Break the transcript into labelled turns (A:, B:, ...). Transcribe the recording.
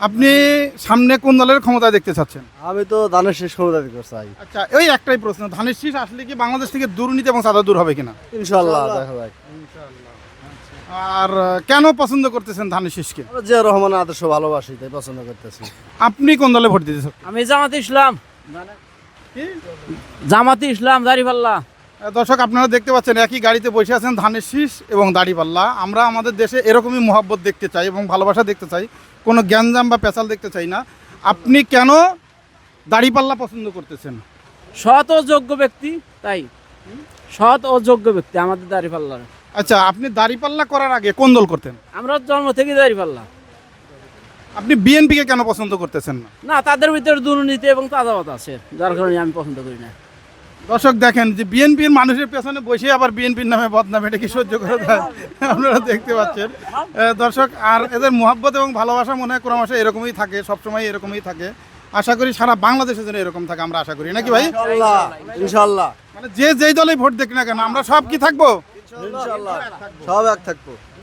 A: আপনি সামনে কোন দলের ক্ষমতা দেখতে চাচ্ছেন?
B: আমি তো ধানের শেষ ক্ষমতা দিতে চাই।
A: আচ্ছা, ওই একটাই প্রশ্ন, ধানের শীষ আসলে কি বাংলাদেশ থেকে দুর্নীতি এবং চাঁদা দূর হবে কিনা?
B: ইনশাল্লাহ দেখা যাক।
A: আর কেন পছন্দ করতেছেন ধানের শীষকে?
B: আমরা জিয়া রহমানের আদর্শ ভালোবাসি, তাই পছন্দ করতেছি।
A: আপনি কোন দলে ভোট দিতে চাচ্ছেন?
C: আমি জামাতে ইসলাম,
A: কি?
C: জামাতে ইসলাম, দাঁড়িপাল্লা।
A: দর্শক, আপনারা দেখতে পাচ্ছেন একই গাড়িতে বসে আছেন ধানের শীষ এবং দাড়িপাল্লা। আমরা আমাদের দেশে এরকমই মহব্বত দেখতে চাই এবং ভালোবাসা দেখতে চাই, কোনো গ্যাঞ্জাম বা পেঁচাল দেখতে চাই না। আপনি কেন দাড়িপাল্লা পছন্দ করতেছেন?
C: সৎ ও যোগ্য ব্যক্তি, তাই সৎ ও যোগ্য ব্যক্তি আমাদের দাঁড়িপাল্লার।
A: আচ্ছা, আপনি দাড়িপাল্লা করার আগে কোন দল করতেন?
C: আমরা জন্ম থেকে দাঁড়িপাল্লা।
A: আপনি বিএনপিকে কেন পছন্দ করতেছেন না?
C: না, তাদের ভিতরে দুর্নীতি এবং চাঁদাবাদ আছে, যার কারণে আমি পছন্দ করি না।
A: দর্শক দেখেন যে বিএনপির মানুষের পেছনে বসে আবার বিএনপির নামে বদনাম, এটা কি সহ্য করা যায়? আপনারা দেখতে পাচ্ছেন দর্শক, আর এদের মোহাব্বত এবং ভালোবাসা মনে হয় ক্রমশ এরকমই থাকে, সবসময় এরকমই থাকে। আশা করি সারা বাংলাদেশের জন্য এরকম থাকে, আমরা আশা করি, নাকি ভাই?
B: ইনশাল্লাহ ইনশাল্লাহ
A: মানে যে যেই দলেই ভোট দেখ না কেন, আমরা সব কি থাকবো?
B: ইনশাল্লাহ সব এক থাকবো।